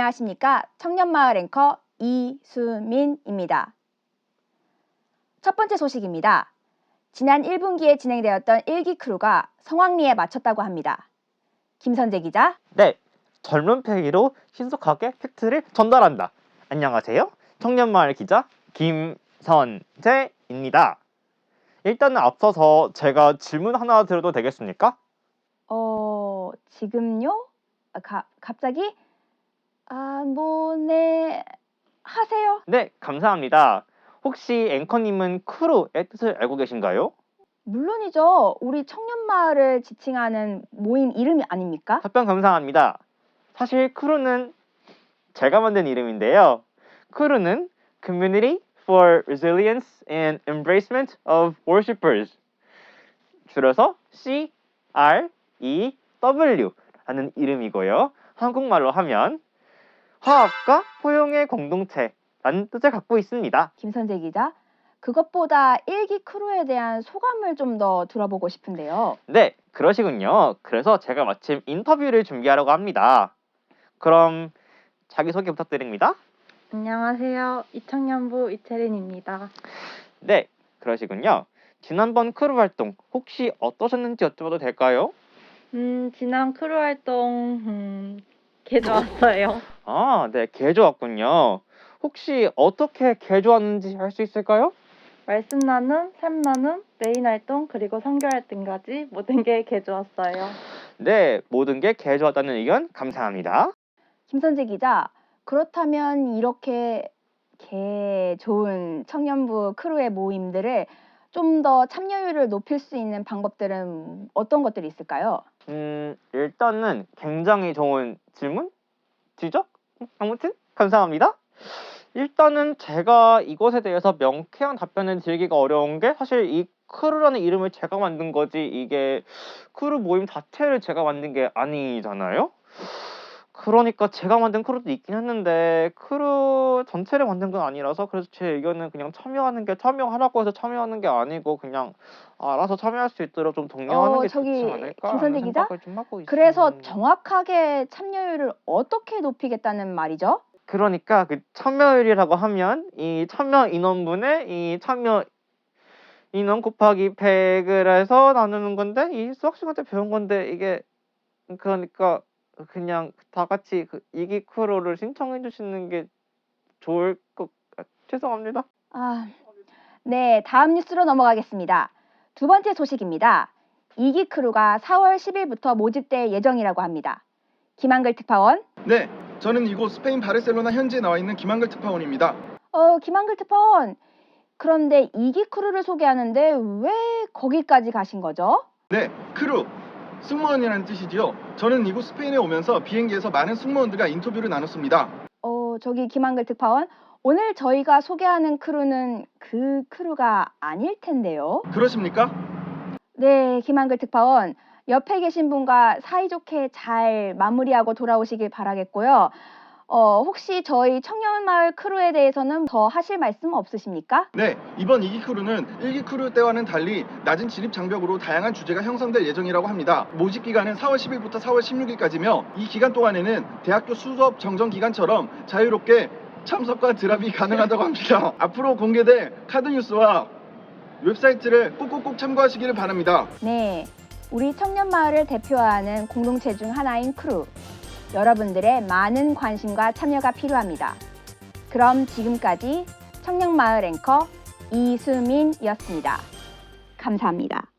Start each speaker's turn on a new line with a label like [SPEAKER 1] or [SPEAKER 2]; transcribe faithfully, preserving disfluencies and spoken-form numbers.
[SPEAKER 1] 안녕하십니까. 청년마을 앵커 이수민입니다. 첫 번째 소식입니다. 지난 일 분기에 진행되었던 일기 크루가 성황리에 마쳤다고 합니다. 김선재 기자.
[SPEAKER 2] 네, 젊은 패기로 신속하게 팩트를 전달한다. 안녕하세요. 청년마을 기자 김선재입니다. 일단은 앞서서 제가 질문 하나 드려도 되겠습니까?
[SPEAKER 1] 어, 지금요? 아, 가, 갑자기? 아, 뭐, 네, 하세요.
[SPEAKER 2] 네, 감사합니다. 혹시 앵커님은 크루의 뜻을 알고 계신가요?
[SPEAKER 1] 물론이죠. 우리 청년마을을 지칭하는 모임 이름이 아닙니까?
[SPEAKER 2] 답변 감사합니다. 사실 크루는 제가 만든 이름인데요. 크루는 Community for Resilience and Embracement of Worshippers, 줄여서 씨 알 이 더블유 라는 이름이고요. 한국말로 하면 화합과 포용의 공동체라는 뜻을 갖고 있습니다.
[SPEAKER 1] 김선재 기자, 그것보다 일기 크루에 대한 소감을 좀 더 들어보고 싶은데요.
[SPEAKER 2] 네, 그러시군요. 그래서 제가 마침 인터뷰를 준비하려고 합니다. 그럼 자기소개 부탁드립니다.
[SPEAKER 3] 안녕하세요. 이청년부 이채린입니다.
[SPEAKER 2] 네, 그러시군요. 지난번 크루 활동 혹시 어떠셨는지 여쭤봐도 될까요?
[SPEAKER 3] 음, 지난 크루 활동 음, 개 좋았어요.
[SPEAKER 2] 아, 네, 개 좋았군요. 혹시 어떻게 개 좋았는지 알 수 있을까요?
[SPEAKER 3] 말씀 나눔, 삶 나눔, 메인 활동, 그리고 선교 활동까지 모든 게 개 좋았어요.
[SPEAKER 2] 네, 모든 게 개 좋았다는 의견 감사합니다.
[SPEAKER 1] 김선재 기자, 그렇다면 이렇게 개 좋은 청년부 크루의 모임들을 좀 더 참여율을 높일 수 있는 방법들은 어떤 것들이 있을까요?
[SPEAKER 2] 음, 일단은 굉장히 좋은 질문? 지적? 아무튼 감사합니다. 일단은 제가 이것에 대해서 명쾌한 답변을 드리기가 어려운 게 사실 이 크루라는 이름을 제가 만든 거지 이게 크루 모임 자체를 제가 만든 게 아니잖아요. 그러니까 제가 만든 크루도 있긴 했는데 크루 전체를 만든 건 아니라서 그래서 제 의견은 그냥 참여하는 게 참여하라고 해서 참여하는 게 아니고 그냥 알아서 참여할 수 있도록 좀 독려하는
[SPEAKER 1] 어,
[SPEAKER 2] 게
[SPEAKER 1] 저기
[SPEAKER 2] 좋지 않을까
[SPEAKER 1] 김선재
[SPEAKER 2] 하는
[SPEAKER 1] 기자?
[SPEAKER 2] 생각을 좀 하고 있어요.
[SPEAKER 1] 그래서 정확하게 참여율을 어떻게 높이겠다는 말이죠?
[SPEAKER 2] 그러니까 그 참여율이라고 하면 이 참여 인원분의 이 참여 인원 곱하기 백을 해서 나누는 건데 이 수학 시간 때 배운 건데 이게 그러니까 그냥 다 같이 그 이기 크루를 신청해 주시는 게 좋을 것 같... 죄송합니다.
[SPEAKER 1] 아, 네, 다음 뉴스로 넘어가겠습니다. 두 번째 소식입니다. 이기 크루가 사월 십일부터 모집될 예정이라고 합니다. 김한글 특파원.
[SPEAKER 4] 네, 저는 이곳 스페인 바르셀로나 현지에 나와 있는 김한글 특파원입니다.
[SPEAKER 1] 어, 김한글 특파원. 그런데 이기 크루를 소개하는데 왜 거기까지 가신 거죠?
[SPEAKER 4] 네, 크루, 승무원이라는 뜻이지요. 저는 이곳 스페인에 오면서 비행기에서 많은 승무원들과 인터뷰를 나눴습니다.
[SPEAKER 1] 어, 저기 김한글 특파원. 오늘 저희가 소개하는 크루는 그 크루가 아닐 텐데요.
[SPEAKER 4] 그러십니까?
[SPEAKER 1] 네, 김한글 특파원. 옆에 계신 분과 사이좋게 잘 마무리하고 돌아오시길 바라겠고요. 어, 혹시 저희 청년마을 크루에 대해서는 더 하실 말씀 없으십니까?
[SPEAKER 4] 네, 이번 이기 크루는 일기 크루 때와는 달리 낮은 진입 장벽으로 다양한 주제가 형성될 예정이라고 합니다. 모집 기간은 사월 십일부터 사월 십육일까지며 이 기간 동안에는 대학교 수업 정정 기간처럼 자유롭게 참석과 드랍이 가능하다고 합니다. 앞으로 공개될 카드 뉴스와 웹사이트를 꼭꼭꼭 참고하시기를 바랍니다.
[SPEAKER 1] 네, 우리 청년마을을 대표하는 공동체 중 하나인 크루. 여러분들의 많은 관심과 참여가 필요합니다. 그럼 지금까지 청년마을 앵커 이수민이었습니다. 감사합니다.